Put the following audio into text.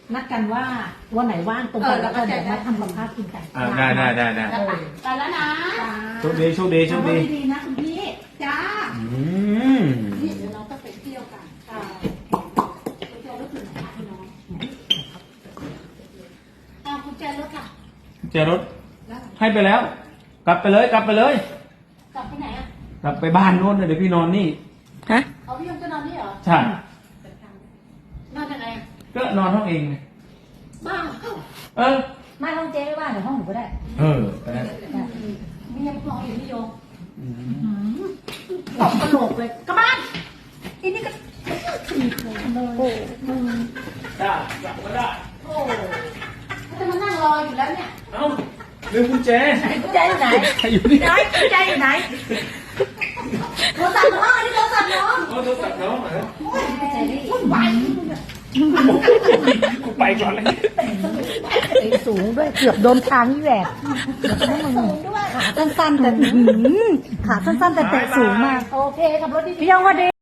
นัดกันว่าวันไหนว่างตรงกันแล้วก็เดี๋ยวมาทำกับข้าวกินกันได้ไปแล้วนะโชคดีโชคดีโชคดีดีนะคุณพี่จ้านี่เดี๋ยวเราต้องไปเที่ยวกันไปเที่ยวรถถึงไหนคะพี่น้องคุณแจรถค่ะเจอรถให้ไปแล้ว กลับไปเลยกลับไปเลยกลับไปไหนอ่ะกลับไปบ้านโน้นเลยเดี๋ยวพี่นอนนี่ฮะเอาพี่ยงจะนอนนี่เหรอใช่นอนยังไงก็นอนห้องเองไงบ้าเออไม่ห้องเจ๊ไม่ว่าเดี๋ยวห้องหนูก็ได้ไปแล้วมียังพออยู่พี่โยตบกระโหลกเลยกลับบ้านอีนี่ก็ถีบเลยโอ้ได้กลับก็ได้โหจะมานั่งรออยู่แล้วเนี่ยเอ้าลืมกุญแจกุญแจอยู่ไหนอยู่นี่ไหนกุญแจอยู่ไหนโทรศัพท์น้องอันนี้โทรศัพท์น้องโทรศัพท์น้องเหรอกุญแจนี่วุ่นวายกูไปก่อนเลยสูงด้วยเกือบโดนทางนี่แหละขาสั้นๆแต่ขาสั้นๆแต่เตะสูงมากโอเคขับรถดีๆพี่ยังว่าดี